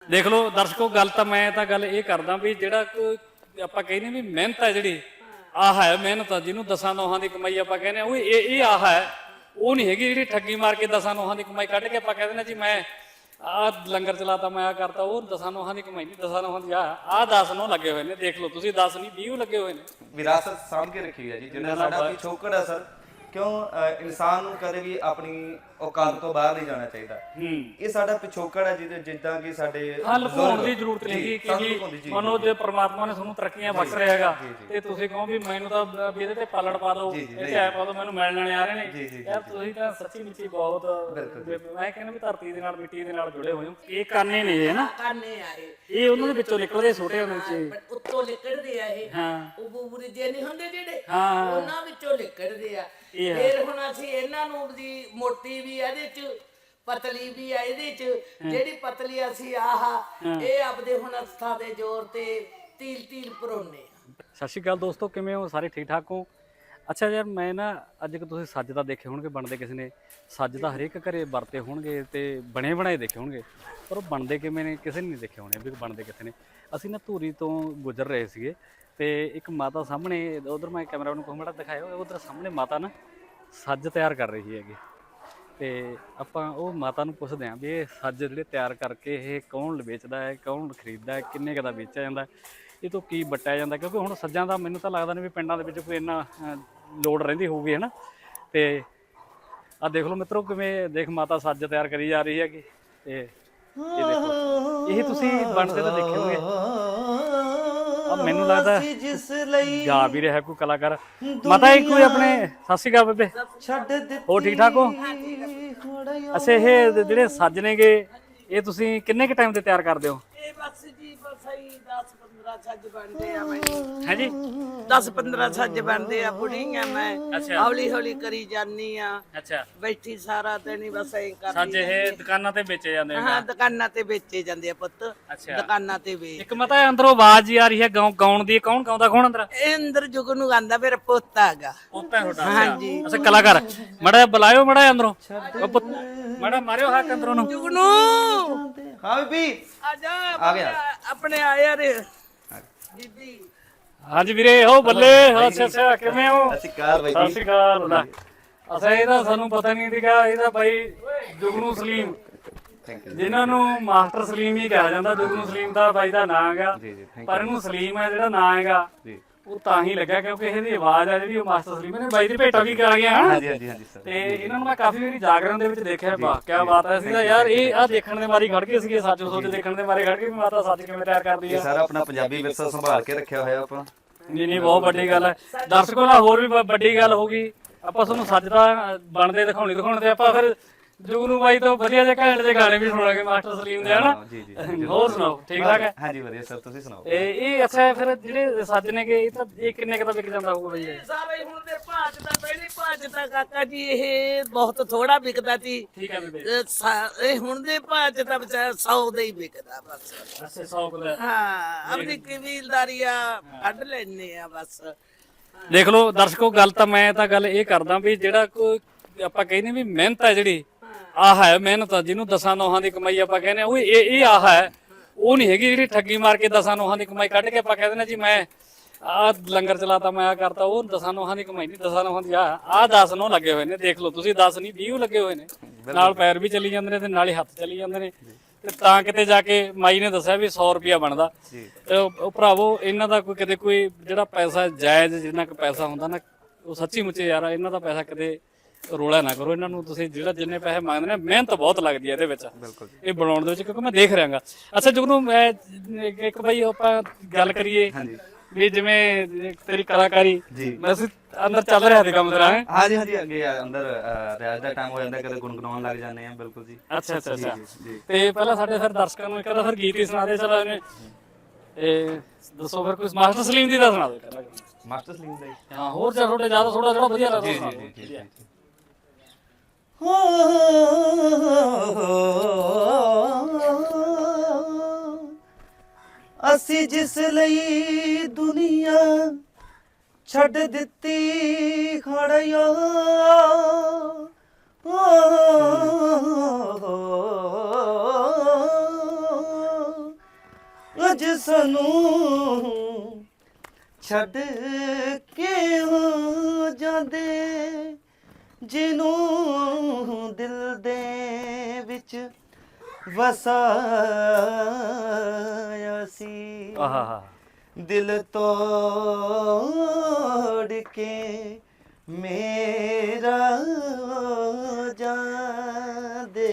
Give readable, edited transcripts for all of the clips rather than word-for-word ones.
ਦੇਖ ਲਓ ਦਰਸ਼ਕੋ, ਗੱਲ ਤਾਂ ਮੈਂ ਤਾਂ ਗੱਲ ਇਹ ਕਰਦਾ ਵੀ ਜਿਹੜਾ ਕੋਈ ਆਪਾਂ ਕਹਿੰਦੇ ਵੀ ਮਿਹਨਤ ਹੈ ਜਿਹੜੀ ਆਹ ਹੈ ਮਿਹਨਤ, ਜਿਹਨੂੰ ਦਸਾਂ ਨੋਹਾਂ ਦੀ ਕਮਾਈ ਆਪਾਂ ਕਹਿੰਦੇ ਉਹ ਇਹ ਆਹ ਹੈ, ਉਹ ਨਹੀਂ ਹੈਗੀ ਜਿਹੜੀ ਠੱਗੀ ਮਾਰ ਕੇ ਦਸਾਂ ਨੋਹਾਂ ਦੀ ਕਮਾਈ ਕੱਢ ਕੇ ਆਪਾਂ ਕਹਿੰਦੇ ਨੇ ਜੀ ਮੈਂ ਆਹ ਲੰਗਰ ਚਲਾਤਾ, ਮੈਂ ਆ ਕਰਤਾ। ਉਹ ਦਸਾਂ ਨੋਹਾਂ ਦੀ ਕਮਾਈ ਨਹੀਂ, ਦਸਾਂ ਨੋਹਾਂ ਦੀ ਆਹ 10 ਨੋਹ ਲੱਗੇ ਹੋਏ ਨੇ। ਦੇਖ ਲਓ ਤੁਸੀਂ, 10 ਨਹੀਂ 20 ਲੱਗੇ ਹੋਏ ਨੇ। ਵਿਰਾਸਤ ਸਾਂਭ ਕੇ ਰੱਖੀ ਹੈ ਜੀ, ਜਿੰਨਾ ਸਾਡਾ ਪਿਛੋਕੜ ਹੈ ਸਰ। ਕਿਉਂ ਇਨਸਾਨ ਨੂੰ ਕਦੇ ਵੀ ਆਪਣੀ ਔਕਾਤ ਤੋਂ ਬਾਹਰ ਨਹੀਂ ਜਾਣਾ ਚਾਹੀਦਾ। ਇਹ ਸਾਡਾ ਪਿਛੋਕੜ ਹੈ ਜਿਹਦੇ ਜਿੱਦਾਂ ਕਿ ਸਾਡੇ ਲੁਕਾਉਣ ਦੀ ਜ਼ਰੂਰਤ ਨਹੀਂ ਕਿ ਮਨੋ ਜੇ ਪ੍ਰਮਾਤਮਾ ਨੇ ਤੁਹਾਨੂੰ ਤਰੱਕੀਆਂ ਬਖਸ਼ ਰਿਹਾ ਹੈਗਾ ਤੇ ਤੁਸੀਂ ਕਹੋ ਵੀ ਮੈਨੂੰ ਤਾਂ ਵੀ ਇਹਦੇ ਤੇ ਪਾਲਣ ਪਾ ਦਿਓ, ਇਹ ਐ ਪਾ ਦਿਓ, ਮੈਨੂੰ ਮਿਲਣ ਵਾਲੇ ਆ ਰਹੇ ਨੇ। ਯਾਰ ਤੁਸੀਂ ਤਾਂ ਸੱਚੀ ਮੁੱਚੀ ਬਹੁਤ, ਮੈਂ ਕਹਿੰਦਾ ਵੀ ਧਰਤੀ ਦੇ ਨਾਲ ਮਿੱਟੀ ਦੇ ਨਾਲ ਜੁੜੇ ਹੋਏ ਹੋ। ਇਹ ਕਾਨੇ ਨੇ ਇਹ ਨਾ, ਕਾਨੇ ਆ ਇਹ ਉਹਨਾਂ ਦੇ ਵਿੱਚੋਂ ਨਿਕਲਦੇ ਛੋਟੇ ਹੁੰਦੇ ਚ ਉੱਤੋਂ ਲਿਕੜਦੇ ਆ ਇਹ। ਹਾਂ, ਉਹ ਬੂਬਰੀ ਜੇ ਨਹੀਂ ਹੁੰਦੇ ਜਿਹੜੇ, ਹਾਂ, ਉਹਨਾਂ ਵਿੱਚੋਂ ਲਿਕੜਦੇ ਆ। ਫਿਰ ਹੁਣ ਅਸੀਂ ਇਹਨਾਂ ਨੂੰ ਦੀ ਮੋਟੀ ਵੀ ਇਹਦੇ ਚ, ਪਤਲੀ ਵੀ ਆ ਇਹਦੇ ਚ। ਜਿਹੜੀ ਪਤਲੀ ਅਸੀਂ ਇਹ ਆਪਦੇ ਹੁਣ ਹੱਥਾਂ ਦੇ ਜ਼ੋਰ ਤੇ ਤੀਲ ਤੀਲ ਪਰੋਨੇ ਆ। ਸਤਿ ਸ਼੍ਰੀ ਅਕਾਲ ਦੋਸਤੋ, ਕਿਵੇਂ ਹੋ ਸਾਰੇ? ਠੀਕ ਠਾਕ ਹੋ? ਅੱਛਾ ਯਾਰ, ਮੈਂ ਨਾ ਅੱਜ ਕਿ ਤੁਸੀਂ ਸੱਜ ਤਾਂ ਦੇਖੇ ਹੋਣਗੇ ਬਣਦੇ ਕਿਸੇ ਨੇ, ਸੱਜ ਤਾਂ ਹਰੇਕ ਘਰੇ ਵਰਤੇ ਹੋਣਗੇ ਤੇ ਬਣੇ ਬਣਾਏ ਦੇਖੇ ਹੋਣਗੇ, ਪਰ ਉਹ ਬਣਦੇ ਕਿਵੇਂ ਨੇ ਕਿਸੇ ਨੇ ਨਹੀਂ ਦੇਖੇ ਹੋਣੇ ਵੀ ਬਣਦੇ ਕਿੱਥੇ ਨੇ। ਅਸੀਂ ਨਾ ਧੂਰੀ ਤੋਂ ਗੁਜ਼ਰ ਰਹੇ ਸੀਗੇ ਤੇ ਇੱਕ ਮਾਤਾ ਸਾਹਮਣੇ, ਉਧਰ ਮੈਂ ਕੈਮਰਾ ਨੂੰ ਕਹੂੰਗਾ ਦਿਖਾਇਓ, ਉਧਰ ਸਾਹਮਣੇ ਮਾਤਾ ਨਾ ਸੱਜ ਤਿਆਰ ਕਰ ਰਹੀ ਹੈਗੀ। ਤੇ ਆਪਾਂ ਉਹ ਮਾਤਾ ਨੂੰ ਪੁੱਛਦੇ ਹਾਂ ਵੀ ਇਹ ਸੱਜ ਜਿਹੜੇ ਤਿਆਰ ਕਰਕੇ ਇਹ ਕੌਣ ਵੇਚਦਾ ਹੈ, ਕੌਣ ਖਰੀਦਦਾ ਹੈ, ਕਿੰਨੇ ਕੁ ਦਾ ਵੇਚਿਆ ਜਾਂਦਾ, ਇਹ ਤੋਂ ਕੀ ਵੱਟਿਆ ਜਾਂਦਾ। ਕਿਉਂਕਿ ਹੁਣ ਸੱਜਾਂ ਦਾ ਮੈਨੂੰ ਤਾਂ ਲੱਗਦਾ ਨਹੀਂ ਵੀ ਪਿੰਡਾਂ ਦੇ ਵਿੱਚ ਕੋਈ ਇੰਨਾ ਲੋੜ ਰਹਿੰਦੀ ਹੋਊਗੀ, ਹੈ ਨਾ। ਤੇ ਆਹ ਦੇਖ ਲਓ ਮਿੱਤਰੋ, ਕਿਵੇਂ ਦੇਖ ਮਾਤਾ ਸੱਜ ਤਿਆਰ ਕਰੀ ਜਾ ਰਹੀ ਹੈਗੀ। ਤੇ ਇਹ ਦੇਖੋ, ਇਹ ਤੁਸੀਂ ਬਣਦੇ ਤਾਂ ਦੇਖੇ ਹੋਣਗੇ। ਮੈਨੂੰ ਲੱਗਦਾ ਗਾ ਵੀ ਰਿਹਾ ਕੋਈ ਕਲਾਕਾਰ। ਮਾਤਾ ਇਹ ਕੋਈ ਆਪਣੇ, ਸਤਿ ਸ਼੍ਰੀ ਅਕਾਲ ਬੇਬੇ, ਹੋਰ ਠੀਕ ਠਾਕ ਹੋ? ਅੱਛਾ, ਇਹ ਜਿਹੜੇ ਸੱਜ ਨੇਗੇ ਇਹ ਤੁਸੀਂ ਕਿੰਨੇ ਕੁ ਟਾਈਮ ਤੇ ਤਿਆਰ ਕਰਦੇ ਹੋ? ਇਹ ਬਸ ਜੀ ਬਸ ਹੀ 10-15 ਸੱਜ ਬਣਦੇ ਆ। ਮੈਂ ਹੈ ਜੀ 10-15 ਸੱਜ ਬਣਦੇ ਆ। ਬੁੜੀਆਂ ਮੈਂ ਹੌਲੀ ਹੌਲੀ ਕਰੀ ਜਾਨੀ ਆ। ਅੱਛਾ, ਬੈਠੀ ਸਾਰਾ ਦਿਨ ਹੀ ਬਸ ਐਂ ਕਰਦੀ। ਸੱਜ ਇਹ ਦੁਕਾਨਾਂ ਤੇ ਵੇਚੇ ਜਾਂਦੇ ਨੇ? ਹਾਂ, ਦੁਕਾਨਾਂ ਤੇ ਵੇਚੇ ਜਾਂਦੇ ਆ ਪੁੱਤ। ਅੱਛਾ, ਦੁਕਾਨਾਂ ਤੇ ਵੇਚ। ਇੱਕ ਮਤਾ ਅੰਦਰੋਂ ਆਵਾਜ਼ ਜੀ ਆ ਰਹੀ ਹੈ ਗਾਉਣ ਦੀ, ਕੌਣ ਗਾਉਂਦਾ ਕੌਣ ਅੰਦਰ? ਇਹ ਅੰਦਰ ਜੁਗ ਨੂੰ ਗਾਉਂਦਾ ਮੇਰਾ ਪੋਤਾ ਹੈਗਾ। ਪੋਤਾ ਤੁਹਾਡਾ? ਹਾਂਜੀ। ਅੱਛਾ, ਕਲਾਕਾਰ ਮੜਾ ਬੁਲਾਇਓ, ਮੜਾ ਅੰਦਰੋਂ ਮੜਾ ਮਾਰਿਓ ਹੱਕ ਅੰਦਰੋਂ ਨੂੰ। ਜੁਗ ਨੂੰ ਹਾਂ ਬੀਬੀ ਆ ਜਾ, ਆ ਗਿਆ। ਆਪਣੇ ਆਇਆ ਰੇ ਬੀਬੀ। ਹਾਂਜੀ ਵੀਰੇ, ਹੋ ਬੱਲੇ। ਅੱਛਾ ਅੱਛਾ, ਕਿਵੇਂ ਹੋ? ਸਤਿ ਸ਼੍ਰੀ ਅਕਾਲ ਬਾਈ ਸਤਿ ਜੀ। ਸ਼੍ਰੀ ਅਕਾਲ। ਅੱਛਾ, ਇਹਦਾ ਸਾਨੂੰ ਪਤਾ ਨਹੀਂ ਸੀਗਾ, ਇਹਦਾ ਬਾਈ ਜੁਗਨੂ ਸਲੀਮ, ਥੈਂਕ ਯੂ ਜਿਨ੍ਹਾਂ ਨੂੰ ਮਾਸਟਰ ਸਲੀਮ ਹੀ ਕਿਹਾ ਜਾਂਦਾ। ਜੁਗਨੂ ਸਲੀਮ ਦਾ ਬਾਈ ਦਾ ਨਾਂ ਹੈਗਾ, ਪਰ ਇਹਨੂੰ ਸਲੀਮ ਹੈ ਜਿਹੜਾ ਨਾਂ ਹੈਗਾ ਉਹ ਤਾਂ ਹੀ ਲੱਗਾ ਕਿਉਂਕਿ ਇਹਦੀ ਆਵਾਜ਼ ਆ ਜਿਹੜੀ ਉਹ ਮਾਸਟਰ ਸਲੀਮ ਨੇ। ਬਾਈ ਦੀ ਭੇਟਾ ਵੀ ਕਰਾ ਗਿਆ। ਹਾਂਜੀ ਹਾਂਜੀ ਹਾਂਜੀ ਸਰ। ਤੇ ਇਹਨਾਂ ਨੂੰ ਮੈਂ ਕਾਫੀ ਵਾਰੀ ਜਾਗਰਣ ਦੇ ਵਿੱਚ ਦੇਖਿਆ। ਵਾਹ ਕੀ ਬਾਤ ਹੈ ਸੀਗਾ ਯਾਰ। ਇਹ ਆ ਦੇਖਣ ਦੇ ਮਾਰੀ ਖੜ ਗਏ ਸੀਗੇ, ਸੱਚ ਸੋਚ ਦੇਖਣ ਦੇ ਮਾਰੇ ਖੜ ਗਏ ਵੀ ਮਾਤਾ ਸੱਚ ਕਿਵੇਂ ਤਿਆਰ ਕਰਦੀ ਆ। ਸਾਰਾ ਆਪਣਾ ਪੰਜਾਬੀ ਵਿਰਸਾ ਸੰਭਾਲ ਕੇ ਰੱਖਿਆ ਹੋਇਆ ਆਪਾਂ। ਨਹੀਂ ਨਹੀਂ, ਬਹੁਤ ਵੱਡੀ ਗੱਲ ਹੈ। ਦਰਸ਼ਕੋ ਨਾਲ ਹੋਰ ਵੀ ਵੱਡੀ ਗੱਲ ਹੋਊਗੀ, ਆਪਾਂ ਤੁਹਾਨੂੰ ਸੱਚ ਦਾ ਬਣਦੇ ਦਿਖਾਉਣੇ ਤੇ ਆਪਾਂ ਫਿਰ ਜੁਗਨੂ ਬਾਈ ਤੋਂ ਵਧੀਆ ਜਿਹੇ ਘੈਂਟ ਜਿਹੇ ਗਾਣੇ ਵੀ ਸੁਣਾਂਗੇ ਮਾਸਟਰ ਸਲੀਮ ਦੇ, ਹਨਾ। ਜੀ ਜੀ। ਹੋਰ ਸੁਣਾਓ, ਠੀਕ ਠਾਕ ਹੈ? ਹਾਂਜੀ ਵਧੀਆ ਸਰ, ਤੁਸੀਂ ਸੁਣਾਓ। ਇਹ ਅੱਛਾ, ਫਿਰ ਜਿਹੜੇ ਸੱਜ ਨੇਗੇ ਇਹ ਤਾਂ ਇਹ ਕਿੰਨੇ ਕੁ ਦਾ ਵਿਕ ਜਾਂਦਾ ਹੋਊਗਾ ਬਾਈ? ਸਾਰੇ ਹੁਣ ਦੇ ਭਾਜ ਦਾ ਪਹਿਲੀ ਭਾਜ ਦਾ ਕਾਕਾ ਜੀ ਇਹ ਬਹੁਤ ਥੋੜਾ ਵਿਕਦਾ ਸੀ। ਠੀਕ ਹੈ ਬੇਬੇ। ਇਹ ਹੁਣ ਦੇ ਭਾਜ ਦਾ ਵਿਚਾਰਾ 100 ਦਾ ਹੀ ਵਿਕਦਾ ਬਸ। ਅੱਛਾ, 100 ਦਾ। ਹਾਂ, ਆਪਣੀ ਕਬੀਲਦਾਰੀ ਆ ਕੱਢ ਲੈਣੇ ਆ ਬਸ। ਦੇਖ ਲਓ ਦਰਸ਼ਕੋ, ਗੱਲ ਤਾਂ ਮੈਂ ਤਾਂ ਗੱਲ ਇਹ ਕਰਦਾ ਵੀ ਜਿਹੜਾ ਕੋਈ ਆਪਾਂ ਕਹਿੰਦੇ ਵੀ ਮਿਹਨਤ ਹੈ ਜਿਹੜੀ ਆਹ ਹੈ ਮਿਹਨਤ, ਜਿਹਨੂੰ ਦਸਾਂ ਨੋਹਾਂ ਦੀ ਕਮਾਈ ਆਪਾਂ ਕਹਿੰਦੇ ਉਹ ਇਹ ਆਹ ਹੈ, ਉਹ ਨਹੀਂ ਹੈਗੀ ਜਿਹੜੀ ਠੱਗੀ ਮਾਰ ਕੇ ਦਸਾਂ ਨੋਹਾਂ ਦੀ ਕਮਾਈ ਕੱਢ ਕੇ ਆਪਾਂ ਕਹਿੰਦੇ ਨੇ ਜੀ ਮੈਂ ਆਹ ਲੰਗਰ ਚਲਾਤਾ, ਮੈਂ ਆ ਕਰਤਾ। ਉਹ ਦਸਾਂ ਨੋਹਾਂ ਦੀ ਕਮਾਈ ਨਹੀਂ, ਦਸਾਂ ਨੋਹਾਂ ਦੀ ਆਹ 10 ਨੋਹ ਲੱਗੇ ਹੋਏ ਨੇ। ਦੇਖ ਲਓ ਤੁਸੀਂ, 10 ਨਹੀਂ 20 ਲੱਗੇ ਹੋਏ ਨੇ। ਨਾਲ ਪੈਰ ਵੀ ਚੱਲੀ ਜਾਂਦੇ ਨੇ ਤੇ ਨਾਲ ਹੀ ਹੱਥ ਚੱਲੀ ਜਾਂਦੇ ਨੇ। ਤੇ ਤਾਂ ਕਿਤੇ ਜਾ ਕੇ ਮਾਈ ਨੇ ਦੱਸਿਆ ਵੀ 100 ਰੁਪਿਆ ਬਣਦਾ। ਉਹ ਭਰਾਵੋ, ਇਹਨਾਂ ਦਾ ਕੋਈ ਕਿਤੇ ਕੋਈ ਜਿਹੜਾ ਪੈਸਾ ਜਾਇਜ਼ ਜਿੰਨਾ ਕੁ ਪੈਸਾ ਹੁੰਦਾ ਨਾ, ਉਹ ਸੱਚੀ ਮੁੱਚੇ ਯਾਰ ਇਹਨਾਂ ਦਾ ਪੈਸਾ ਕਿਤੇ ਰੋਲਾ ਨਾ ਕਰੋ। ਇਹਨਾਂ ਨੂੰ ਤੁਸੀਂ ਜਿਹੜਾ ਜਿੰਨੇ ਪੈਸੇ ਮੰਗਦੇ ਨੇ, ਮਿਹਨਤ ਬਹੁਤ ਲੱਗਦੀ ਹੈ ਇਹਦੇ ਵਿੱਚ, ਇਹ ਬਣਾਉਣ ਦੇ ਵਿੱਚ, ਕਿਉਂਕਿ ਮੈਂ ਦੇਖ ਰਿਹਾਗਾ। ਅੱਛਾ ਜੁਗਨੂ, ਮੈਂ ਇੱਕ ਬਾਈ ਆਪਾਂ ਗੱਲ ਕਰੀਏ ਵੀ ਜਿਵੇਂ ਤੇਰੀ ਕਲਾਕਾਰੀ ਵੈਸੇ ਅੰਦਰ ਚੱਲ ਰਿਹਾ ਤੇ ਕੰਮ ਤੇਰਾ? ਹਾਂਜੀ ਹਾਂਜੀ, ਅੱਗੇ ਅੰਦਰ ਰਿਆਜ਼ ਦਾ ਟਾਈਮ ਹੋ ਜਾਂਦਾ, ਕਦੇ ਗੁੰਗਣਾਉਣ ਲੱਗ ਜਾਂਦੇ ਆ। ਬਿਲਕੁਲ ਜੀ। ਅੱਛਾ ਅੱਛਾ ਅੱਛਾ। ਤੇ ਪਹਿਲਾਂ ਸਾਡੇ ਫਿਰ ਦਰਸ਼ਕਾਂ ਨੂੰ ਇੱਕ ਤਾਂ ਫਿਰ ਗੀਤ ਹੀ ਸੁਣਾ ਦੇ। ਚਲੋ ਇਹਨੇ ਦੱਸੋ ਫਿਰ ਕੋਈ ਮਾਸਟਰ ਸਲੀਮ ਦੀ ਦਾ ਸੁਣਾ ਦਿਓ। ਮਾਸਟਰ ਸਲੀਮ ਦਾ? ਹਾਂ, ਹੋਰ ਥੋੜਾ ਜਿਆਦਾ ਥੋੜਾ ਜਿਹੜਾ ਵਧੀਆ ਲੱਗਦਾ। ਜੀ ਜੀ। ਅਸੀਂ ਜਿਸ ਲਈ ਦੁਨੀਆ ਛੱਡ ਦਿੱਤੀ ਖੜਿਆ, ਅੱਜ ਸਾਨੂੰ ਛੱਡ ਕੇ ਹੋ ਜਾਂਦੇ, ਜਿਹਨੂੰ ਦਿਲ ਦੇ ਵਿੱਚ ਵਸਾਇਆ ਸੀ, ਆਹਾ ਦਿਲ ਤੋੜ ਕੇ ਮੇਰਾ ਜਾਂਦੇ।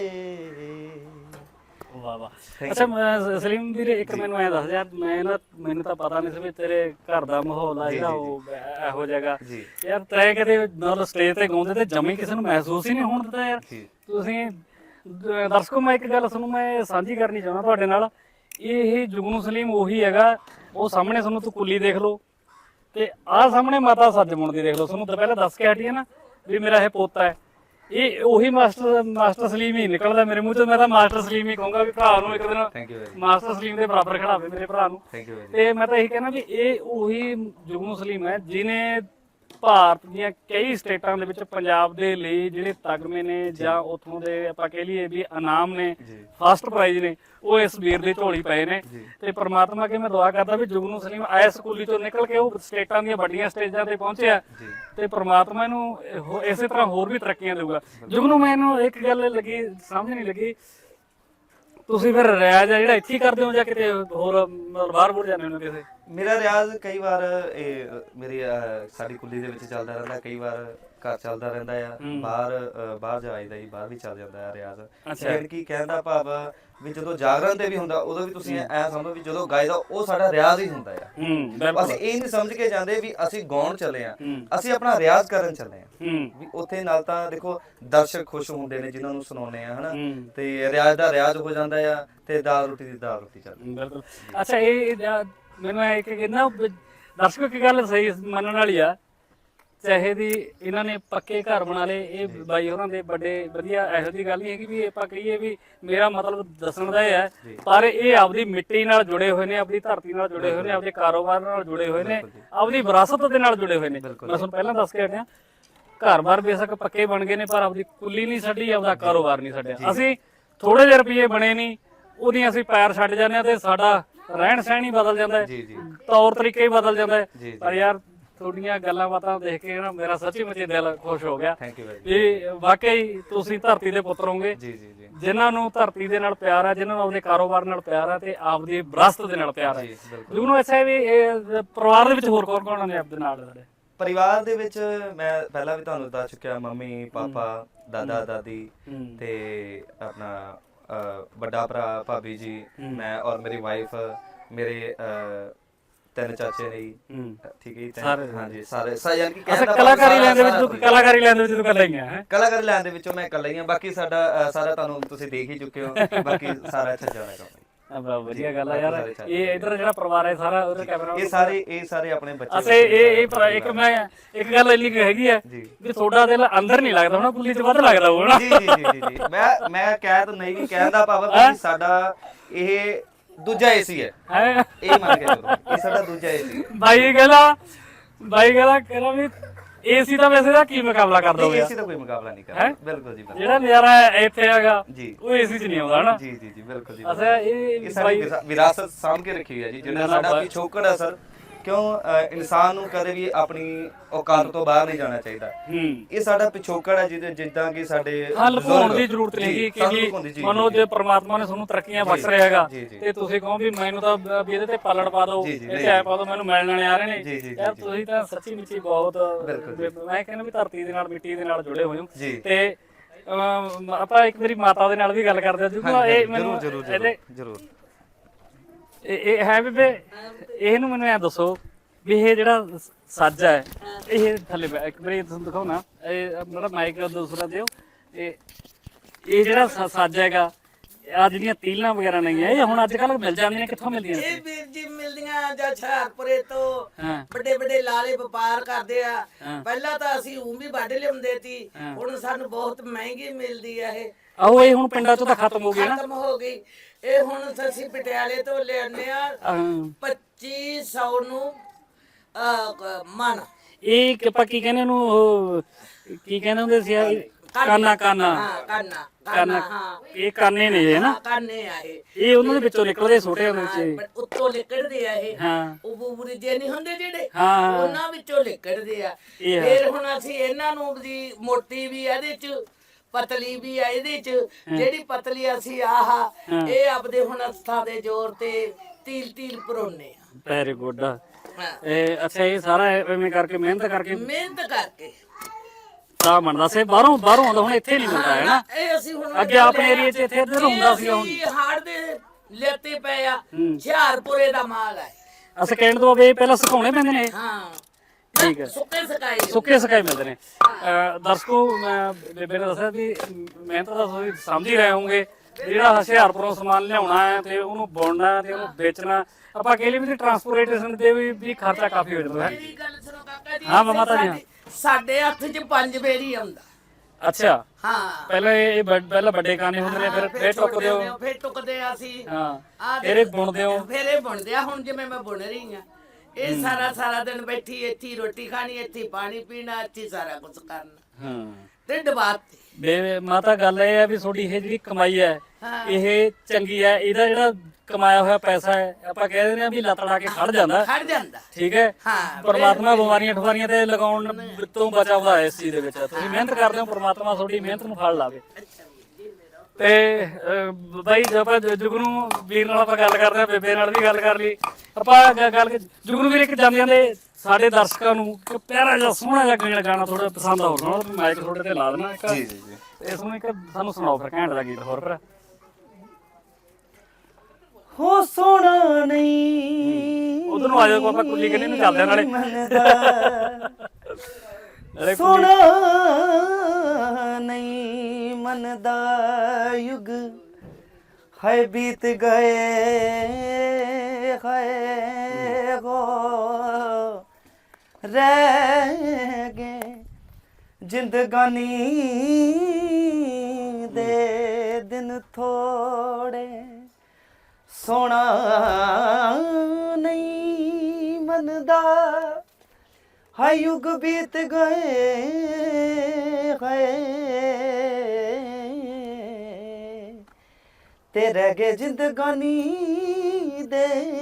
ਵਾਹ ਵਾਹ। ਅੱਛਾ ਸਲੀਮ ਵੀਰੇ ਇੱਕ ਮੈਨੂੰ ਐ ਦੱਸ ਯਾਰ, ਮੈਨੂੰ ਤਾਂ ਪਤਾ ਨਹੀਂ ਸੀ ਵੀ ਤੇਰੇ ਘਰ ਦਾ ਮਾਹੌਲ ਆ ਜਿਹੜਾ ਉਹ ਇਹੋ ਜਿਹਾ ਯਾਰ, ਤੈਂ ਕਦੇ ਮਤਲਬ ਸਟੇਜ ਤੇ ਗਾਉਂਦੇ ਤੇ ਜਮੀ ਕਿਸੇ ਨੂੰ ਮਹਿਸੂਸ ਹੀ ਨਹੀਂ ਹੋਣ ਦਿੱਤਾ ਯਾਰ। ਤੁਸੀਂ ਦਰਸ਼ਕੋ ਮੈਂ ਇੱਕ ਗੱਲ ਤੁਹਾਨੂੰ ਮੈਂ ਸਾਂਝੀ ਕਰਨੀ ਚਾਹੁੰਦਾ ਤੁਹਾਡੇ ਨਾਲ, ਇਹ ਜੁਗਨੂ ਸਲੀਮ ਉਹੀ ਹੈਗਾ, ਉਹ ਸਾਹਮਣੇ ਤੁਹਾਨੂੰ ਤੂੰ ਕੁੱਲੀ ਦੇਖ ਲਓ ਤੇ ਆਹ ਸਾਹਮਣੇ ਮਾਤਾ ਸੱਜਮੁਣ ਦੀ ਦੇਖ ਲਓ। ਤੁਹਾਨੂੰ ਤਾਂ ਪਹਿਲਾਂ ਦੱਸ ਕੇ ਹਟੀ ਹੈ ਨਾ ਵੀ ਮੇਰਾ ਇਹ ਪੋਤਾ ਹੈ, ਇਹ ਉਹੀ ਮਾਸਟਰ ਸਲੀਮ ਹੀ ਨਿਕਲਦਾ ਮੇਰੇ ਮੂੰਹ ਚੋਂ। ਮੈਂ ਤਾਂ ਮਾਸਟਰ ਸਲੀਮ ਹੀ ਕਹੂੰਗਾ ਵੀ ਭਰਾ ਨੂੰ ਇੱਕ ਦਿਨ ਮਾਸਟਰ ਸਲੀਮ ਦੇ ਬਰਾਬਰ ਖੜਾਵੇ ਮੇਰੇ ਭਰਾ ਨੂੰ। ਤੇ ਮੈਂ ਤਾਂ ਇਹੀ ਕਹਿਣਾ ਵੀ ਇਹ ਉਹੀ ਜੁਗਨੂ ਸਲੀਮ ਹੈ ਜਿਹਨੇ ਭਾਰਤ ਦੀਆਂ ਕਈ ਸਟੇਟਾਂ ਦੇ ਵਿੱਚ ਪੰਜਾਬ ਦੇ ਲਈ ਜਿਹੜੇ ਤਗਮੇ ਨੇ ਜਾਂ ਉੱਥੋਂ ਦੇ ਆਪਾਂ ਕਹਿ ਲਈਏ ਵੀ ਇਨਾਮ ਨੇ, ਫਸਟ ਪ੍ਰਾਈਜ਼ ਨੇ, ਉਹ ਇਸ ਵੀਰ ਦੀ ਝੋਲੀ ਪਏ ਨੇ। ਤੇ ਪ੍ਰਮਾਤਮਾ ਅੱਗੇ ਮੈਂ ਦੁਆ ਕਰਦਾ ਵੀ ਜੁਗਨੂ ਸਲੀਮ ਆਇਆ ਸਕੂਲੀ ਚੋਂ ਨਿਕਲ ਕੇ ਉਹ ਸਟੇਟਾਂ ਦੀਆਂ ਵੱਡੀਆਂ ਸਟੇਜਾਂ ਤੇ ਪਹੁੰਚਿਆ ਤੇ ਪ੍ਰਮਾਤਮਾ ਇਹਨੂੰ ਇਸੇ ਤਰ੍ਹਾਂ ਹੋਰ ਵੀ ਤਰੱਕੀਆਂ ਦੇਊਗਾ। ਜੁਗਨੂ ਮੈਨੂੰ ਇੱਕ ਗੱਲ ਲੱਗੀ ਸਮਝ ਨਹੀਂ ਲੱਗੀ, ਤੁਸੀਂ ਫਿਰ ਰਿਆਜ਼ ਆ ਜਿਹੜਾ ਇੱਥੇ ਹੀ ਕਰਦੇ ਹੋ ਜਾਂ ਕਿਤੇ ਹੋਰ ਬਾਹਰ ਬੁਰ ਜਾਂਦੇ ਹੋ ਕਿਸੇ? ਮੇਰਾ ਰਿਆਜ਼ ਕਈ ਵਾਰ ਇਹ ਮੇਰੀ ਸਾਡੀ ਕੁੱਲੀ ਦੇ ਵਿੱਚ ਚੱਲਦਾ ਰਹਿੰਦਾ, ਕਈ ਵਾਰ ਘਰ ਚੱਲਦਾ ਰਹਿੰਦਾ ਆ, ਬਾਹਰ ਜਾਈਦਾ ਜੀ, ਬਾਹਰ ਵੀ ਚੱਲ ਜਾਂਦਾ ਆ ਰਿਆਜ਼। ਯਾਨੀ ਕਿ ਕਹਿਣ ਦਾ ਭਾਵ ਵੀ ਜਦੋਂ ਜਾਗਰਣ ਤੇ ਵੀ ਹੁੰਦਾ ਉਦੋਂ ਵੀ ਤੁਸੀਂ ਐ ਸਮਝੋ ਵੀ ਜਦੋਂ ਗਾਇਦਾ ਉਹ ਸਾਡਾ ਰਿਆਜ਼ ਹੀ ਹੁੰਦਾ ਆ। ਅਸੀਂ ਇਹ ਨਹੀਂ ਸਮਝ ਕੇ ਜਾਂਦੇ ਵੀ ਅਸੀਂ ਗਾਉਣ ਚੱਲੇ ਆ, ਅਸੀਂ ਆਪਣਾ ਰਿਆਜ਼ ਕਰਨ ਚੱਲੇ ਆ। ਵੀ ਉੱਥੇ ਨਾਲ ਤਾਂ ਦੇਖੋ ਦਰਸ਼ਕ ਖੁਸ਼ ਹੁੰਦੇ ਨੇ ਜਿਨ੍ਹਾਂ ਨੂੰ ਸੁਣਾਉਂਦੇ ਆ ਹਨਾ, ਤੇ ਰਿਆਜ਼ ਦਾ ਰਿਆਜ਼ ਹੋ ਜਾਂਦਾ ਆ ਤੇ ਦਾਲ ਰੋਟੀ ਦੀ ਦਾਲ ਰੋਟੀ ਚੱਲਦੀ। ਬਿਲਕੁਲ। ਅੱਛਾ ਇਹ ਮੈਨੂੰ ਇਹ ਕਿ ਨਾ ਦਰਸ਼ਕ ਕੀ ਗੱਲ ਸਹੀ ਮੰਨਣ ਵਾਲੀ ਆ, ਚਾਹੇ ਦੀ ਇਹਨਾਂ ਨੇ ਪੱਕੇ ਘਰ ਬਣਾ ਲਏ, ਇਹ ਬਾਈ ਹੋਰਾਂ ਦੇ ਵੱਡੇ ਵਧੀਆ, ਇਹੋ ਜਿਹੀ ਗੱਲ ਨਹੀਂ ਹੈਗੀ ਵੀ ਆਪਾਂ ਕਹੀਏ ਵੀ ਮੇਰਾ ਮਤਲਬ ਦੱਸਣ ਦਾ ਇਹ ਹੈ, ਪਰ ਇਹ ਆਪਦੀ ਮਿੱਟੀ ਨਾਲ ਜੁੜੇ ਹੋਏ ਨੇ, ਆਪਦੀ ਧਰਤੀ ਨਾਲ ਜੁੜੇ ਹੋਏ ਨੇ, ਆਪਦੇ ਕਾਰੋਬਾਰ ਨਾਲ ਜੁੜੇ ਹੋਏ ਨੇ, ਆਪਦੀ ਵਿਰਾਸਤ ਦੇ ਨਾਲ ਜੁੜੇ ਹੋਏ ਨੇ। ਮੈਂ ਤੁਹਾਨੂੰ ਪਹਿਲਾਂ ਦੱਸ ਕੇ ਹਟਿਆ, ਘਰ-ਬਾਰ ਬੇਸ਼ੱਕ ਪੱਕੇ ਬਣ ਗਏ ਨੇ ਪਰ ਆਪਦੀ ਕੁੱਲੀ ਨਹੀਂ ਛੱਡੀ, ਆਪਦਾ ਕਾਰੋਬਾਰ ਨਹੀਂ ਛੱਡਿਆ। ਅਸੀਂ ਥੋੜੇ ਜਿਹੇ ਰੁਪਏ ਬਣੇ ਨਹੀਂ, ਉਹਦੀਆਂ ਅਸੀਂ ਪੈਰ ਛੱਡ ਜਾਂਦੇ ਹਾਂ ਤੇ ਸਾਡਾ ਰਹਿਣ ਸਹਿਣ ਹੀ ਬਦਲ ਜਾਂਦਾ ਹੈ, ਤੌਰ ਤਰੀਕੇ ਹੀ ਬਦਲ ਜਾਂਦਾ ਹੈ। ਪਰ ਯਾਰ ਤੁਹਾਡੀਆਂ ਗੱਲਾਂ ਬਾਤਾਂ ਦੇਖ ਕੇ ਨਾ ਮੇਰਾ ਸੱਚੀ ਮੁੱਚੀ ਦਿਲ ਖੁਸ਼ ਹੋ ਗਿਆ ਵੀ ਵਾਕਈ ਤੁਸੀਂ ਧਰਤੀ ਦੇ ਪੁੱਤਰ ਹੋਗੇ, ਜਿਨ੍ਹਾਂ ਨੂੰ ਧਰਤੀ ਦੇ ਨਾਲ ਪਿਆਰ ਹੈ, ਜਿਨ੍ਹਾਂ ਨੂੰ ਆਪਣੇ ਕਾਰੋਬਾਰ ਨਾਲ ਪਿਆਰ ਹੈ ਤੇ ਆਪਦੀ ਵਿਰਾਸਤ ਦੇ ਨਾਲ ਪਿਆਰ ਹੈ। ਜਿਹਨੂੰ ਅੱਛਾ ਵੀ ਪਰਿਵਾਰ ਦੇ ਵਿੱਚ ਹੋਰ ਕੌਣ ਕੌਣ ਨੇ ਆਪਦੇ ਨਾਲ? ਸਾਡੇ ਪਰਿਵਾਰ ਦੇ ਵਿੱਚ ਮੈਂ ਪਹਿਲਾਂ ਵੀ ਤੁਹਾਨੂੰ ਦੱਸ ਚੁੱਕਿਆ, ਮੰਮੀ ਪਾਪਾ ਦਾਦਾ ਦਾਦੀ ਤੇ ਆਪਣਾ ਵੱਡਾ ਭਰਾ ਭਾਬੀ ਜੀ, ਮੈਂ ਔਰ ਮੇਰੀ ਵਾਈਫ, ਮੇਰੇ 3 ਚਾਚੇ ਨੇ। ਠੀਕ ਹੈ ਜੀ, ਹਾਂਜੀ ਸਾਰੇ ਯਾਨੀ ਕਿ ਕਲਾਕਾਰੀ ਲੈਣ ਦੇ ਵਿੱਚ ਤੂੰ ਇਕੱਲਾ ਹੀ ਹੈ? ਕਲਾਕਾਰੀ ਲੈਣ ਦੇ ਵਿੱਚੋਂ ਮੈਂ ਇਕੱਲਾ ਹੀ ਹਾਂ, ਬਾਕੀ ਸਾਡਾ ਸਾਰਾ ਤੁਹਾਨੂੰ ਤੁਸੀਂ ਦੇਖ ਹੀ ਚੁੱਕੇ ਹੋ, ਬਾਕੀ ਸਾਰਾ ਇੱਥੇ ਜਾਣਾ ਕੰਮ। ਵਧੀਆ ਗੱਲ ਆ ਯਾਰ। ਇਹ ਇਧਰ ਜਿਹੜਾ ਪਰਿਵਾਰ ਹੈ ਸਾਰਾ ਉਹਦਾ ਕੈਮਰਾ, ਇਹ ਸਾਰੇ ਆਪਣੇ ਬੱਚੇ। ਅੱਛਾ ਇੱਕ ਗੱਲ ਇੰਨੀ ਹੈਗੀ ਹੈ ਵੀ ਤੁਹਾਡਾ ਦਿਲ ਅੰਦਰ ਨਹੀਂ ਲੱਗਦਾ ਹੋਣਾ, ਕੁੱਲੀ 'ਚ ਵੱਧ ਲੱਗਦਾ ਹੋਣਾ। ਜੀ ਮੈਂ ਕਹਿ ਤਾਂ ਨਹੀਂ ਕਹਿਣ ਦਾ ਭਾਵ ਹੈ ਸਾਡਾ ਇਹ ਦੂਜਾ ਏਸੀ ਹੈ, ਇਹ ਮੰਨ ਕੇ ਚਲੋ ਇਹ ਸਾਡਾ ਦੂਜਾ ਏਸੀ। ਬਾਈ ਕਹਿੰਦਾ ਵੀ ਏਸੀ ਦਾ ਵੈਸੇ ਦਾ ਕੀ ਮੁਕਾਬਲਾ ਕਰ ਦੋਗੇ? ਏਸੀ ਦਾ ਕੋਈ ਮੁਕਾਬਲਾ ਨਹੀਂ ਕਰਦਾ, ਬਿਲਕੁਲ ਜੀ। ਜਿਹੜਾ ਨਜ਼ਾਰਾ ਇੱਥੇ ਹੈਗਾ ਉਹ ਏਸੀ 'ਚ ਨਹੀਂ ਆਉਂਦਾ ਹਨਾ। ਜੀ ਬਿਲਕੁਲ ਜੀ। ਅੱਛਾ ਇਹ ਸਾਡੀ ਵਿਰਾਸਤ ਸਾਂਭ ਕੇ ਰੱਖੀ ਹੋਈ ਹੈ ਜੀ, ਜਿਹੜਾ ਸਾਡਾ ਪਿਛੋਕੜ ਹੈ ਸਰ। ਕਿਉਂ ਇਨਸਾਨ ਨੂੰ ਕਦੇ ਵੀ ਆਪਣੀ ਔਕਾਤ ਤੋਂ ਬਾਹਰ ਨਹੀਂ ਜਾਣਾ ਚਾਹੀਦਾ। ਇਹ ਸਾਡਾ ਪਿਛੋਕੜ ਹੈ ਜਿੱਦਾਂ ਕਿ ਸਾਡੇ ਲੁਕਾਉਣ ਦੀ ਜ਼ਰੂਰਤ ਨਹੀਂ ਕਿ ਮਨੋ ਜੇ ਪ੍ਰਮਾਤਮਾ ਨੇ ਤੁਹਾਨੂੰ ਤਰੱਕੀਆਂ ਬਖਸ਼ ਰਿਹਾ ਹੈਗਾ ਤੇ ਤੁਸੀਂ ਕਹੋ ਵੀ ਮੈਨੂੰ ਤਾਂ ਵੀ ਇਹਦੇ ਤੇ ਪਾਲਣ ਪਾ ਦਿਓ, ਇਹ ਐ ਪਾ ਦਿਓ, ਮੈਨੂੰ ਮਿਲਣ ਵਾਲੇ ਆ ਰਹੇ ਨੇ। ਯਾਰ ਤੁਸੀਂ ਤਾਂ ਸੱਚੀ ਮੁੱਚੀ ਬਹੁਤ, ਮੈਂ ਕਹਿੰਦਾ ਵੀ ਧਰਤੀ ਦੇ ਨਾਲ ਮਿੱਟੀ ਦੇ ਨਾਲ ਜੁੜੇ ਹੋਏ ਹੋ। ਤੇ ਆਪਾਂ ਇੱਕ ਮੇਰੀ ਮਾਤਾ ਦੇ ਨਾਲ ਵੀ ਗੱਲ ਕਰਦੇ ਹਾਂ, ਇਹ ਮੈਨੂੰ ਜ਼ਰੂਰ ਇਹ ਹੈ ਵੀ ਇਹਨੂੰ ਮੈਨੂੰ ਐ ਦੱਸੋ ਵੀ ਇਹ ਜਿਹੜਾ ਸੱਜ ਹੈ ਇਹ ਥੱਲੇ ਇੱਕ ਵਾਰੀ ਤੁਹਾਨੂੰ ਦਿਖਾਓ ਨਾ, ਇਹ ਜਿਹੜਾ ਮਾਈਕ ਦੂਸਰਾ ਦਿਓ, ਇਹ ਜਿਹੜਾ ਸੱਜ ਹੈਗਾ, ਆ ਜਿਹੜੀਆਂ ਤੀਲਾਂ ਵਗੈਰਾ ਨਹੀਂ ਹੈ ਇਹ ਹੁਣ ਅੱਜ ਕੱਲ ਮਿਲ ਜਾਂਦੀਆਂ, ਕਿੱਥੋਂ ਮਿਲਦੀਆਂ? ਇਹ ਵੀਰ ਜੀ ਮਿਲਦੀਆਂ ਜਾਂ ਹੁਸ਼ਿਆਰਪੁਰੇ ਤੋਂ ਵੱਡੇ ਲਾਲੇ ਵਪਾਰ ਕਰਦੇ ਆ। ਪਹਿਲਾਂ ਤਾਂ ਅਸੀਂ ਵੀ ਵੱਢ ਲਿਆਉਂਦੇ ਸੀ, ਹੁਣ ਸਾਨੂੰ ਬਹੁਤ ਮਹਿੰਗੀ ਮਿਲਦੀ ਆ ਇਹ। ਆਹੋ ਇਹ ਹੁਣ ਪਿੰਡਾਂ ਚੋਂ ਤਾਂ ਖਤਮ ਹੋ ਗਈ ਨਾ, ਖਤਮ ਹੋ ਗਈ। ਇਹ ਹੁਣ ਅਸੀਂ ਪਟਿਆਲੇ ਤੋਂ ਲਿਆਉਂਦੇ ਆ 2500 ਨੂੰ ਮਨ। ਇਹ ਆਪਾਂ ਕੀ ਕਹਿੰਦੇ ਉਹਨੂੰ, ਕੀ ਕਹਿੰਦੇ ਹੁੰਦੇ ਸੀ? ਕਾਨਾ ਕੰਨ ਇਹ ਕਾਨੇ ਨੇ ਇਹ ਨਾ ਕਾਨੇ ਆ ਇਹ ਉਹਨਾਂ ਦੇ ਵਿੱਚੋਂ ਨਿਕਲਦੇ ਛੋਟੇ ਹੁੰਦੇ ਚ ਪਰ ਉੱਤੋਂ ਲਿਕੜਦੇ ਆ ਇਹ ਹਾਂ ਉਹ ਬੂਬਰੇ ਜੇ ਨਹੀਂ ਹੁੰਦੇ ਜਿਹੜੇ ਹਾਂ ਉਹਨਾਂ ਵਿੱਚੋਂ ਲਿਕੜਦੇ ਆ ਇਹ ਫਿਰ ਹੁਣ ਅਸੀਂ ਇਹਨਾਂ ਨੂੰ ਦੀ ਮੋਟੀ ਵੀ ਇਹਦੇ ਚ ਪਤਲੀ ਵੀ ਆ ਇਹਦੇ ਚ ਜਿਹੜੀ ਪਤਲੀ ਅਸੀਂ ਇਹ ਆਪਦੇ ਹੁਣ ਅਸਥਾਂ ਦੇ ਜ਼ੋਰ ਤੇ ਤੀਲ ਤੀਲ ਪਰੋਨੇ ਆ ਵੈਰੀ ਗੁੱਡ ਹਾਂ। ਇਹ ਅੱਛਾ ਇਹ ਸਾਰਾ ਐਵੇਂ ਕਰਕੇ ਮਿਹਨਤ ਕਰਕੇ ਮਿਹਨਤ ਕਰਕੇ ਤਾਂ ਬਣਦਾ ਸੀ ਬਾਹਰੋਂ ਆਉਂਦਾ ਹੁਣ ਇੱਥੇ ਨਹੀਂ ਮਿਲਦਾ ਹੈ ਨਾ ਇਹ ਅਸੀਂ ਹੁਣ ਅੱਗੇ ਆਪਣੇ ਏਰੀਏ 'ਚ ਇੱਥੇ ਇੱਧਰ ਹੁੰਦਾ ਸੀ ਹੁਣ ਹਾੜ ਦੇ ਲੈਤੇ ਪਏ ਆ ਹੁਸ਼ਿਆਰਪੁਰੇ ਦਾ ਮਾਲ ਹੈ ਅਸੀਂ ਕਹਿਣ ਤੋਂ ਬਈ ਪਹਿਲਾਂ ਸੁਕਾਉਣੇ ਪੈਂਦੇ ਨੇ ਹਾਂ ਠੀਕ ਹੈ ਸੁੱਕੇ ਸਕਾਈ ਮਿਲਦੇ ਨੇ ਦਰਸ਼ਕੋ ਮੈਂ ਬੇਬੇ ਨੇ ਦੱਸਿਆ ਵੀ ਮਿਹਨਤ ਦਾ ਤੁਸੀਂ ਸਮਝ ਹੀ ਰਹੇ ਹੋਵੋਗੇ ਜਿਹੜਾ ਹੁਸ਼ਿਆਰਪੁਰੋਂ ਸਮਾਨ ਲਿਆਉਣਾ ਹੈ ਤੇ ਉਹਨੂੰ ਬੁਣਨਾ ਹੈ ਤੇ ਉਹਨੂੰ ਵੇਚਣਾ ਆਪਾਂ ਕਹਿ ਲਈ ਵੀ ਟਰਾਂਸਪੋਰਟੇਸ਼ਨ ਦੇ ਵੀ ਖਰਚਾ ਕਾਫੀ ਹੋ ਜਾਂਦਾ ਹੈ ਮੇਰੀ ਗੱਲ ਸੁਣੋ ਕਾਕਾ ਜੀ ਹਾਂ ਮਾਤਾ ਜੀ ਸਾਡੇ ਹੱਥ 'ਚ 5 ਬੇਰੀ ਆਉਂਦਾ ਅੱਛਾ ਹਾਂ ਪਹਿਲਾਂ ਇਹ ਪਹਿਲਾਂ ਵੱਡੇ ਕਾਨੇ ਹੁੰਦੇ ਨੇ ਫਿਰ ਟੁੱਕਦੇ ਹੋ ਫਿਰ ਟੁੱਕਦੇ ਆ ਅਸੀਂ ਹਾਂ ਫਿਰ ਇਹ ਬੁਣਦੇ ਹੋ ਫਿਰ ਇਹ ਬੁਣਦੇ ਆ ਹੁਣ ਜਿਵੇਂ ਮੈਂ ਬੁਣ ਰਹੀ ਆ ਇਹ ਸਾਰਾ ਦਿਨ ਬੈਠੀ ਇੱਥੇ ਰੋਟੀ ਖਾਣੀ ਇੱਥੇ ਪਾਣੀ ਪੀਣਾ ਇੱਥੇ ਸਾਰਾ ਕੁਝ ਕਰਨਾ ਹਾਂ ਤੇ ਦਬਾਤੀ ਬੇ ਮਾਤਾ ਗੱਲ ਇਹ ਹੈ ਵੀ ਤੁਹਾਡੀ ਇਹ ਜਿਹੜੀ ਕਮਾਈ ਹੈ ਇਹ ਚੰਗੀ ਹੈ ਇਹਦਾ ਜਿਹੜਾ ਕਮਾਇਆ ਹੋਇਆ ਪੈਸਾ ਹੈ ਆਪਾਂ ਕਹਿ ਦਿੰਦੇ ਆ ਵੀ ਲੱਤ ਲਾ ਕੇ ਖੜ ਜਾਂਦਾ ਠੀਕ ਹੈ ਪਰਮਾਤਮਾ ਬਿਮਾਰੀਆਂ ਠਵਾਰੀਆਂ ਤੇ ਲਗਾਉਣ ਤੋਂ ਬਚਾਉਂਦਾ ਹੈ ਇਸ ਚੀਜ਼ ਦੇ ਵਿੱਚ ਤੁਸੀਂ ਮਿਹਨਤ ਕਰਦੇ ਹੋ ਪਰਮਾਤਮਾ ਤੁਹਾਡੀ ਮਿਹਨਤ ਨੂੰ ਫਲ ਲਾਵੇ ਤੇ ਬਾਈ ਜਦ ਆਪਾਂ ਜੁਗਨੂ ਵੀਰ ਨਾਲ ਆਪਾਂ ਗੱਲ ਕਰਦੇ ਆ ਬੇਬੇ ਨਾਲ ਵੀ ਗੱਲ ਕਰ ਲਈ ਆਪਾਂ ਗੱਲ ਜੁਗਨੂ ਵੀਰ ਇੱਕ ਜਾਂਦੇ ਸਾਡੇ ਦਰਸ਼ਕਾਂ ਨੂੰ ਇੱਕ ਪਿਆਰਾ ਜਿਹਾ ਸੋਹਣਾ ਜਿਹਾ ਗਾਣਾ ਥੋੜਾ ਪਸੰਦ ਆਉਣਾ ਮਾਈਕ ਤੁਹਾਡੇ ਤੇ ਲਾ ਦੇਣਾ ਇੱਕ ਜੀ ਜੀ ਜੀ ਇਸ ਨੂੰ ਇੱਕ ਸਾਨੂੰ ਸੁਣਾਓ ਫਿਰ ਘੈਂਟ ਦਾ ਗੀਤ ਹੋਰ ਫਿਰ ਹੋ ਸੋਣਾ ਨਹੀਂ ਉਧਰ ਨੂੰ ਆ ਜਾਓ ਆਪਾਂ ਕੁੱਲੀ ਕੰਨੀ ਨੂੰ ਚੱਲਦੇ ਆ ਨਾਲੇ ਸੋਣਾ ਨਹੀਂ ਮਨ ਦਾ ਯੁਗ ਹੈ ਬੀਤ ਗਏ ਹੈ ਗੋ ਰਹਿ ਗਏ ਜ਼ਿੰਦਗਾਨੀ ਦੇ ਦਿਨ ਥੋੜੇ ਸੋਣਾ ਨਹੀਂ ਮਨ ਦਾ ਹੈ ਯੁਗ ਬੀਤ ਗਏ ਹੈ ਤੇ ਰਹਿ ਗਏ ਜ਼ਿੰਦਗਾਨੀ ਦੇ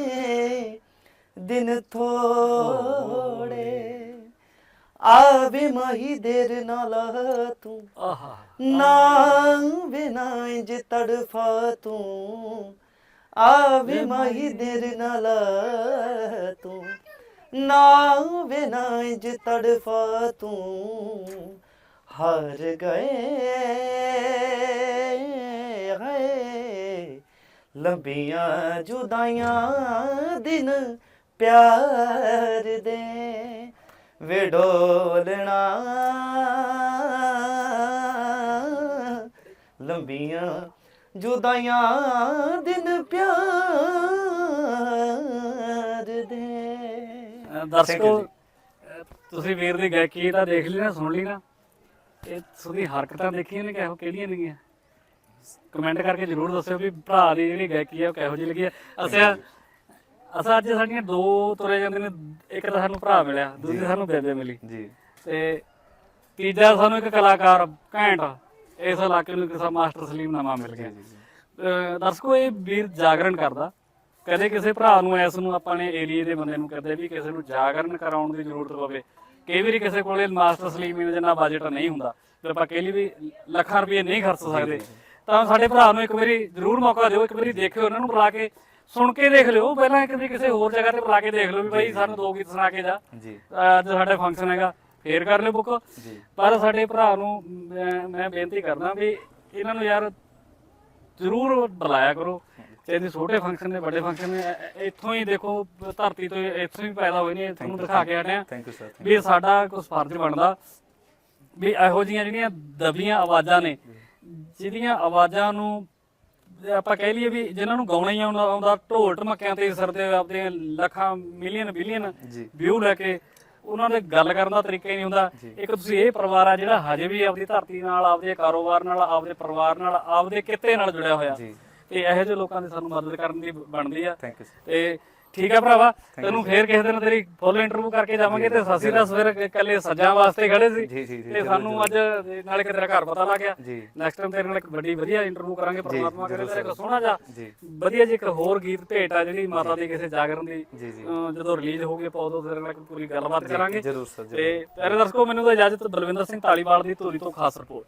ਦਿਨ ਥੋੜੇ ਆਵੇ ਮਾਹੀ ਦੇਰ ਨਾਲ ਤੂੰ ਨਾ ਬਿਨਾ ਇੰਜ ਤੜਫਾ ਤੂੰ ਆਵੇ ਮਾਹੀ ਦੇਰ ਨਾਲ ਤੂੰ ਨਾ ਬਿਨਾ ਇੰਜ ਤੜਫਾ ਤੂੰ ਹਾਰ ਗਏ ਹੈ ਲੰਬੀਆਂ ਜੁਦਾਈਆਂ ਦਿਨ ਪਿਆਰ ਦੇ ਵਿਡੋਲਣਾ ਲੰਬੀਆਂ ਜੁਦਾਈਆਂ ਦਿਨ ਪਿਆਰ ਦੇ ਦਰਸ਼ਕੋ ਤੁਸੀਂ ਵੀਰ ਦੀ ਗਾਇਕੀ ਤਾਂ ਦੇਖ ਲਈ ਨਾ ਸੁਣ ਲਈ ਨਾ ਇਹ ਤੁਹਾਡੀ ਹਰਕਤਾਂ ਦੇਖੀਆਂ ਨੇ ਕਿਹੜੀਆਂ ਨੇਗੀਆਂ ਕਮੈਂਟ ਕਰਕੇ ਜਰੂਰ ਦੱਸਿਓ ਵੀ ਭਰਾ ਦੀ ਜਿਹੜੀ ਗਾਇਕੀ ਆ ਉਹ ਕਿਹੋ ਜਿਹੀ ਲੱਗੀ ਆ ਅਸਾਂ ਅੱਜ ਸਾਡੀਆਂ ਦੋ ਤੁਰੇ ਜਾਂਦੇ ਨੇ ਇੱਕ ਤਾਂ ਸਾਨੂੰ ਭਰਾ ਮਿਲਿਆ ਦੂਜੀ ਸਾਨੂੰ ਬੇਬੇ ਮਿਲੀ ਜੀ ਤੇ ਤੀਜਾ ਸਾਨੂੰ ਇੱਕ ਕਲਾਕਾਰ ਘੈਂਟ ਇਸ ਇਲਾਕੇ ਨੂੰ ਕਿਸੇ ਮਾਸਟਰ ਸਲੀਮ ਨਾਮਾ ਮਿਲ ਗਿਆ ਦਰਸ਼ਕੋ ਇਹ ਵੀਰ ਜਾਗਰਣ ਕਰਦਾ ਕਦੇ ਕਿਸੇ ਭਰਾ ਨੂੰ ਐਸ ਨੂੰ ਆਪਾਂ ਨੇ ਏਰੀਏ ਦੇ ਬੰਦੇ ਨੂੰ ਕਦੇ ਵੀ ਕਿਸੇ ਨੂੰ ਜਾਗਰਣ ਕਰਾਉਣ ਦੀ ਜ਼ਰੂਰਤ ਪਵੇ ਕਈ ਵਾਰੀ ਕਿਸੇ ਕੋਲੇ ਮਾਸਟਰ ਸਲੀਮ ਨੂੰ ਜਿੰਨਾ ਬਜਟ ਨਹੀਂ ਹੁੰਦਾ ਤੇ ਆਪਾਂ ਕਹਿ ਲਈ ਵੀ ਲੱਖਾਂ ਰੁਪਏ ਨਹੀਂ ਖਰਚ ਸਕਦੇ ਤਾਂ ਸਾਡੇ ਭਰਾ ਨੂੰ ਇੱਕ ਵਾਰੀ ਜ਼ਰੂਰ ਮੌਕਾ ਦਿਓ ਇੱਕ ਵਾਰੀ ਦੇਖਿਓ ਉਹਨਾਂ ਨੂੰ ਬੁਲਾ ਕੇ ਸੁਣ ਕੇ ਦੇਖ ਲਿਓ ਪਹਿਲਾਂ ਇੱਕ ਵਾਰੀ ਕਿਸੇ ਹੋਰ ਜਗ੍ਹਾ ਤੇ ਬੁਲਾ ਕੇ ਦੇਖ ਲਿਓ ਵੀ ਬਾਈ ਸਾਨੂੰ ਦੋ ਗੀਤ ਸੁਣਾ ਕੇ ਜਾ ਜੀ ਅੱਜ ਸਾਡਾ ਫੰਕਸ਼ਨ ਹੈਗਾ ਫੇਰ ਕਰ ਲਿਓ ਬੁੱਕ ਪਰ ਸਾਡੇ ਭਰਾ ਨੂੰ ਮੈਂ ਬੇਨਤੀ ਕਰਦਾ ਵੀ ਇਹਨਾਂ ਨੂੰ ਯਾਰ ਜ਼ਰੂਰ ਬੁਲਾਇਆ ਕਰੋ ਚਾਹੇ ਛੋਟੇ ਫੰਕਸ਼ਨ ਨੇ ਵੱਡੇ ਫੰਕਸ਼ਨ ਨੇ ਇੱਥੋਂ ਹੀ ਦੇਖੋ ਧਰਤੀ ਤੋਂ ਇੱਥੋਂ ਹੀ ਪੈਦਾ ਹੋਏ ਨੇ ਤੁਹਾਨੂੰ ਦਿਖਾ ਕੇ ਆਏ ਆ ਥੈਂਕ ਯੂ ਸਰ ਵੀ ਸਾਡਾ ਕੁਝ ਫਰਜ਼ ਬਣਦਾ ਵੀ ਇਹੋ ਜਿਹੀਆਂ ਜਿਹੜੀਆਂ ਦਬੀਆਂ ਆਵਾਜ਼ਾਂ ਨੇ ਜਿਹਦੀਆਂ ਆਵਾਜ਼ਾਂ ਨੂੰ ਆਪਾਂ ਕਹਿ ਲਈਏ ਵੀ ਜਿਨ੍ਹਾਂ ਨੂੰ ਗਾਉਣਾ ਹੀ ਆਉਂਦਾ ਢੋਲ ਢਮੱਕਿਆਂ ਤੇ ਸਰਦੇ ਆਪਦੇ ਲੱਖਾਂ ਮਿਲੀਅਨ ਬਿਲੀਅਨ ਵਿਊ ਲੈ ਕੇ ਉਹਨਾਂ ਦੇ ਗੱਲ ਕਰਨ ਦਾ ਤਰੀਕਾ ਹੀ ਨਹੀਂ ਹੁੰਦਾ ਇੱਕ ਤੁਸੀਂ ਇਹ ਪਰਿਵਾਰ ਆ ਜਿਹੜਾ ਹਜੇ ਵੀ ਆਪਦੀ ਧਰਤੀ ਨਾਲ ਆਪਦੇ ਕਾਰੋਬਾਰ ਨਾਲ ਆਪਦੇ ਪਰਿਵਾਰ ਨਾਲ ਆਪਦੇ ਕਿੱਤੇ ਨਾਲ ਜੁੜਿਆ ਹੋਇਆ ਤੇ ਇਹੋ ਜਿਹੇ ਲੋਕਾਂ ਦੀ ਸਾਨੂੰ ਮਦਦ ਕਰਨ ਦੀ ਬਣਦੀ ਆ ਥੈਂਕ ਯੂ ਤੇ ਠੀਕ ਹੈ ਭਰਾਵਾ, ਤੈਨੂੰ ਫੇਰ ਕਿਸੇ ਦਿਨ ਤੇਰੀ ਫੁੱਲ ਇੰਟਰਵਿਊ ਕਰਕੇ ਜਾਵਾਂਗੇ। ਤੇ ਸਸੀ ਦਾ ਸਵੇਰ ਇਕੱਲੇ ਸੱਜਾਂ ਵਾਸਤੇ ਖੜੇ ਸੀ ਜੀ ਜੀ ਜੀ ਤੇ ਸਾਨੂੰ ਅੱਜ ਨਾਲੇ ਕਿ ਤੇਰਾ ਘਰ ਪਤਾ ਲੱਗ ਗਿਆ। ਜੀ ਨੈਕਸਟ ਟਾਈਮ ਤੇਰੇ ਨਾਲ ਇੱਕ ਵੱਡੀ ਵਧੀਆ ਇੰਟਰਵਿਊ ਕਰਾਂਗੇ। ਪਰਮਾਤਮਾ ਕਰੇ ਤੇਰੇ ਕੋਲ ਸੋਹਣਾ ਜਾ ਜੀ ਵਧੀਆ ਜੀ ਇੱਕ ਹੋਰ ਗੀਤ ਭੇਟ ਆ ਜਿਹੜੀ ਮਾਤਾ ਦੀ ਕਿਸੇ ਜਾਗਰਣ ਦੀ ਜੀ ਜੀ ਜਦੋਂ ਰਿਲੀਜ਼ ਹੋ ਗਈ ਆਪਾਂ ਉਦੋਂ ਤੇਰੇ ਨਾਲ ਪੂਰੀ ਗੱਲਬਾਤ ਕਰਾਂਗੇ। ਜ਼ਰੂਰ ਸਰ ਤੇ ਪਿਆਰੇ ਦਰਸ਼ਕੋ, ਮੈਨੂੰ ਤਾਂ ਇਜਾਜ਼ਤ। ਬਲਵਿੰਦਰ ਸਿੰਘ ਧਾਲੀਵਾਲ ਦੀ ਧੂਰੀ ਤੋਂ ਖਾਸ ਰਿਪੋਰਟ।